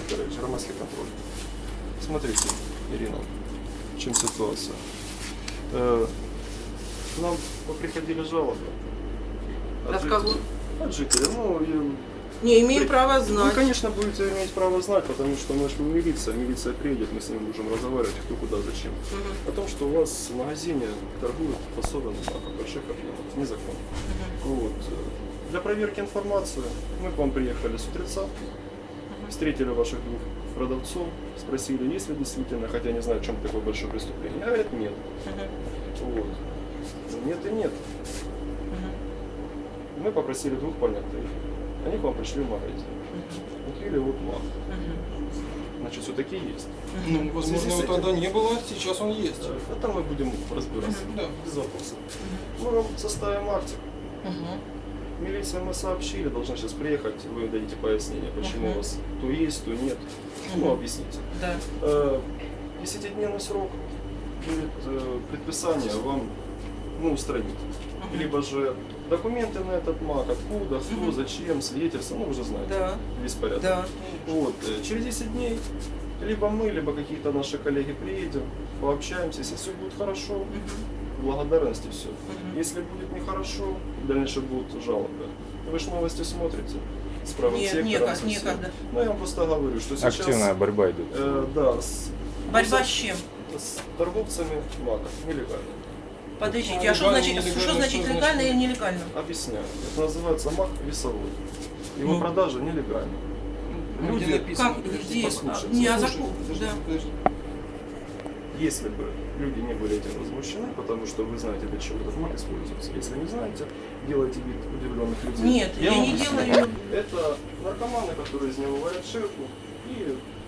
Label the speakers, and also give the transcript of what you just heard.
Speaker 1: Викторович, громадский контроль. Смотрите, Ирина, в чем ситуация. К нам приходили жалобы.
Speaker 2: От кого?
Speaker 1: От жителей. Ну,
Speaker 2: Не имею права
Speaker 1: вы,
Speaker 2: знать.
Speaker 1: конечно, будете иметь право знать, потому что мы же милиция приедет, мы с ним будем разговаривать, кто куда, зачем. О том, что у вас в магазине торгуют фасованным маком, больших объемов, незаконно. Вот. Для проверки информации мы к вам приехали с утреца, встретили ваших двух продавцов, спросили, есть ли действительно, хотя не знаю, в чем такое большое преступление. Говорят, нет. Вот. Нет и нет. Мы попросили двух понятых. Они к вам пришли в магазин. Купили вот мак. Значит, все-таки есть.
Speaker 3: Ну, возможно, его тогда не было, сейчас он есть.
Speaker 1: Это мы будем разбираться.
Speaker 3: Да.
Speaker 1: Без вопросов. Мы вам составим актик. Милиция мы сообщили, должна сейчас приехать, вы дадите пояснение, почему у вас то есть, то нет. Ну, объясните.
Speaker 2: Да.
Speaker 1: 10-дневный срок будет предписание вам устранить. Либо же документы на этот мак, откуда, кто, зачем, свидетельства, ну уже знаете,
Speaker 2: Да.
Speaker 1: весь порядок.
Speaker 2: Да.
Speaker 1: Вот, через 10 дней либо мы, либо какие-то наши коллеги приедем, пообщаемся, если все будет хорошо, благодарности все. Если будет нехорошо, дальше будут жалобы. Вы же новости смотрите с правым
Speaker 2: Нет,
Speaker 1: сектором. со всем.
Speaker 2: некогда.
Speaker 1: Ну я вам просто говорю, что сейчас...
Speaker 4: Активная борьба идет.
Speaker 1: Да,
Speaker 2: Борьба с чем?
Speaker 1: с торговцами мака, нелегально.
Speaker 2: Подождите, а что значит легально или нелегально?
Speaker 1: Объясняю. Это называется мак весовой. Его
Speaker 2: Ну.
Speaker 1: продажа нелегальна.
Speaker 3: Где
Speaker 1: Люди,
Speaker 3: написано?
Speaker 2: Как?
Speaker 3: Подожди,
Speaker 2: Где?
Speaker 1: послушайте.
Speaker 2: Не, а
Speaker 3: Слушай,
Speaker 2: закон.
Speaker 3: подожди,
Speaker 2: Да.
Speaker 3: подожди.
Speaker 1: если бы люди не были этим возмущены, потому что вы знаете, для чего этот мак используется. Если не знаете, делайте вид удивленных людей.
Speaker 2: Нет, я
Speaker 1: вам
Speaker 2: не
Speaker 1: объясняю.
Speaker 2: делаю.
Speaker 1: Это наркоманы, которые из него варят ширку и